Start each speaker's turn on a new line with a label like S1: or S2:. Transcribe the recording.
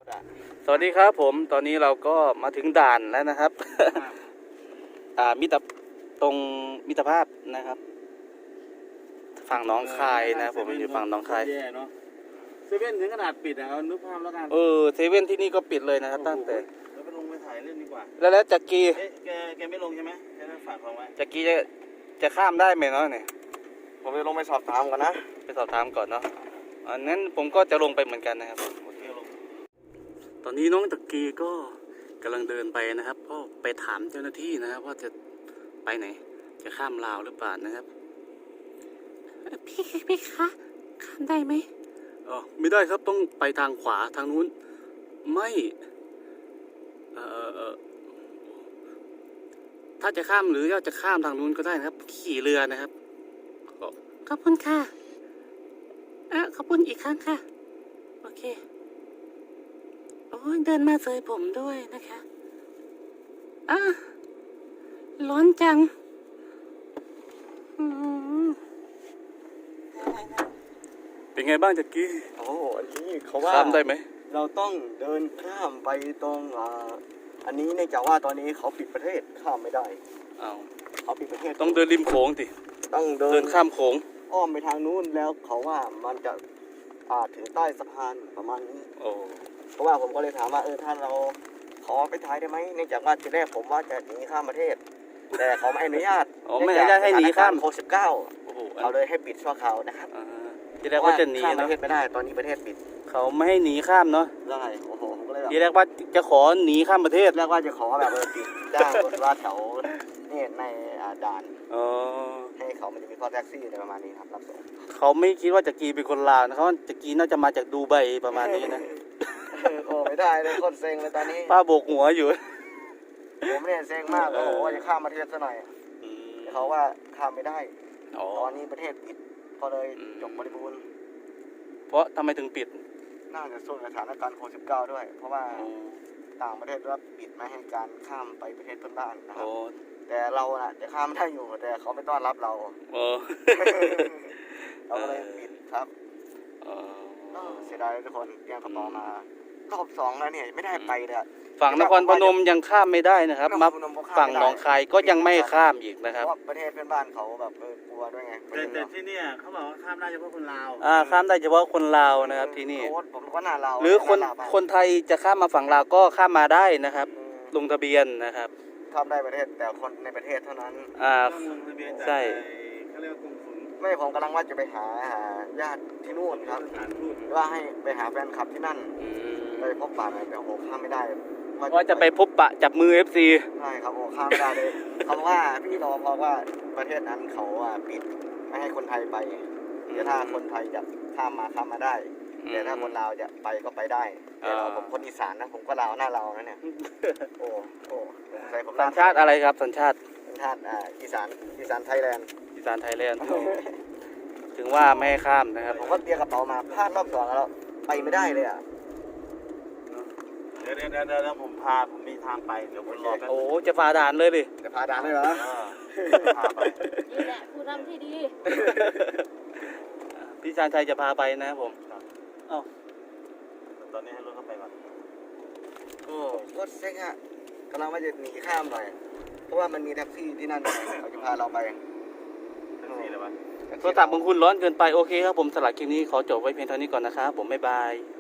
S1: สวัสดีครับผมตอนนี้เราก็มาถึงด่านแล้วนะครับ ตรงมิตรภาพนะครับฝั่งหนองคายนะผมอยู่ฝั่งหนองคาย
S2: แย่เนาะเซเว่นถึงขนาดปิดนะครับนึกภาพแล้วกัน
S1: เซเว่นที่นี่ก็ปิดเลยนะครับตั้งแต่
S2: แล้วไปลงไปถ่ายเล่นดีกว่า
S1: แล้วจักรี
S2: แกไม่ลงใช่ไหมแกได้ฝากของไว้
S1: จักรีจะข้ามได้ไหมเนาะเนี่ย
S2: ผมจะลงไปสอบถามก่อนนะ
S1: ไปสอบถามก่อนเนาะนั้นผมก็จะลงไปเหมือนกันนะครับ
S2: โอเคลง
S1: ตอนนี้น้องจักรีก็กำลังเดินไปนะครับก็ไปถามเจ้าหน้าที่นะครับว่าจะไปไหนจะข้ามลาวหรือเปล่านะครับพี่คะข้ามได้ไหมไม่ได้ครับต้องไปทางขวาทางนู้นไม่ถ้าจะข้ามหรือจะข้ามทางนู้นก็ได้นะครับขี่เรือนะครับขอบคุณค่ะขอบคุณอีกครั้งค่ะโอเคโอ้ยเดินมาเสยผมด้วยนะคะร้อนจังเป็นไงบ้างจักกี้
S2: โอ้อันนี้เขาว่า
S1: ข้ามได้ไหม
S2: เราต้องเดินข้ามไปตรงอันนี้เนื่องจากว่าตอนนี้เขาปิดประเทศข้ามไม่ได้เขาปิดประเทศ
S1: ต้องเดินริมโขงสิ
S2: ต้องเดิ
S1: นข้ามโขง
S2: อ้อมไปทางนู้นแล้วเขาว่ามันจะถึงใต้สะพานประมาณนี้เพราะว่าผมก็เลยถามว่าถ้าเราขอไปถ่ายได้ไหมเนื่องจากว่าทีแรกผมว่าจะหนีข้ามประเทศแต่เขาไม่อนุญาต
S1: ไม่อนุญาตให้หนีข้าม
S2: โควิด-19เขาเลยให้ปิดชั่วคราวนะครับ
S1: ทีแรกว่าจะหนี
S2: ข้ามป
S1: เนาะ
S2: ระเทศไม่ได้ตอนนี้ประเทศปิด
S1: เขาไม่ให้หนีข้ามเนาะ
S2: ได้โอ้โหผมก็เลยแบบ
S1: ทีแรกว่าจะขอหนีข้ามประเทศ
S2: แรกว่าจะขอแบบปิดจ้างรถว่าแถวนี่ในด่านให้เขามันจะมีข้อแท็กซี่อะไรประมาณนี้ครับรับส่ง
S1: เขาไม่คิดว่าจักรีเป็นคนลาวนะเขาจักรีน่าจะมาจากดูไบประมาณนี้นะ
S2: โอ้ไม่ได้เลยคนเซ็งเลยตอนนี้
S1: ป้าโบกหัวอยู่
S2: ผมเนี่ยเซ็งมากโอ้โหว่าจะข้ามประเทศซะหน่อยแต่เขาว่าข้ามไม่ได้ตอนนี้ประเทศปิดก็เลยจบบริบูรณ์
S1: เพราะทำไมถึงปิด
S2: น่าจะส่วนสถานการณ์โควิด-19ด้วยเพราะว่าต่างประเทศรับปิดไม่ให้การข้ามไปประเทศเพื่อนบ้านนะครับแต่เราน่ะจะข้ามได้อยู่แต่เขาไม่ต้อนรับเราเราก็เลยปิดครับเสียดายทุกคนเตรียมกระเป๋ามารอบ2แล้วเนี่ยไม่ได้ไปเลย
S1: ฝั่งนครพนมยังข้ามไม่ได้นะครับมาฝั่งหนองคายก็ยังไม่ข้ามอีกนะครับ
S2: เพราะประเทศเพื่อนบ้านเขาแบบกลัวด้วยไงแต่ที่นี่เขาบอกว่าข้ามได้เฉพาะคนลาว
S1: ข้ามได้เฉพาะคนลาวนะครับที่นี่
S2: ผมก็น่าลาว
S1: หรือคนไทยจะข้ามมาฝั่งลาวก็ข้ามมาได้นะครับลงทะเบียนนะครับ
S2: ข้ามได้ประเทศแต่คนในประเทศเท่านั้น
S1: ใช่
S2: เขาเรียกว่ากลุ่มทุนไม่ผมกำลังว่าจะไปหาญาติที่นู่นครับว่าให้ไปหาแฟนคลับที่นั่นไปพบปะหน่อยแต่โอ้ข้ามไม่ได้
S1: ว่าจะไปพบปะจับมือ FC
S2: ใช่ครับโอ้ข้ามไม่ได้เลยเขาว่าพี่รอเพราะว่าประเทศนั้นเขาปิดไม่ให้คนไทยไปแต่ถ้าคนไทยจะข้ามมาได้แต่ถ้าคนลาวจะไปก็ไปได้แต่ผมคนอีสานนะผมก็ลาวหน้าลาวนะเนี่ยโอ้
S1: สัญชาติอะไรครับสัญชาติ
S2: อีสานไทยแลนด์
S1: ถึงว่าไม่ให้ข้ามนะครับ
S2: ผมก็เตรียมกระเป๋ามาพลาดรอบ2แล้วไปไม่ได้เลยเดี๋ยวผมมีทางไปเดี๋ยวผมรอแป๊บ
S1: จะฝ่าด่านเลยดิ
S2: จะฝ่าด่านเลยเหรอ
S3: นี่แหละผู้นำที่ดี
S1: พี่ชาญชัยจะพาไปนะครับผม
S2: ตอนนี้ให้รถเข้าไปก่อนรถเซ็งกำลังว่าจะหนีข้ามหน่อยเพราะว่ามันมีแท็กซี่ที่นั่นเขาจะพาเราไปแท็กซี่เลยวะ
S1: โทรศัพท์ของคุณร้อนเกินไปโอเคครับผมสลัดคลิปนี้ขอจบไว้เพียงเท่านี้ก่อนนะครับผมบ๊ายบาย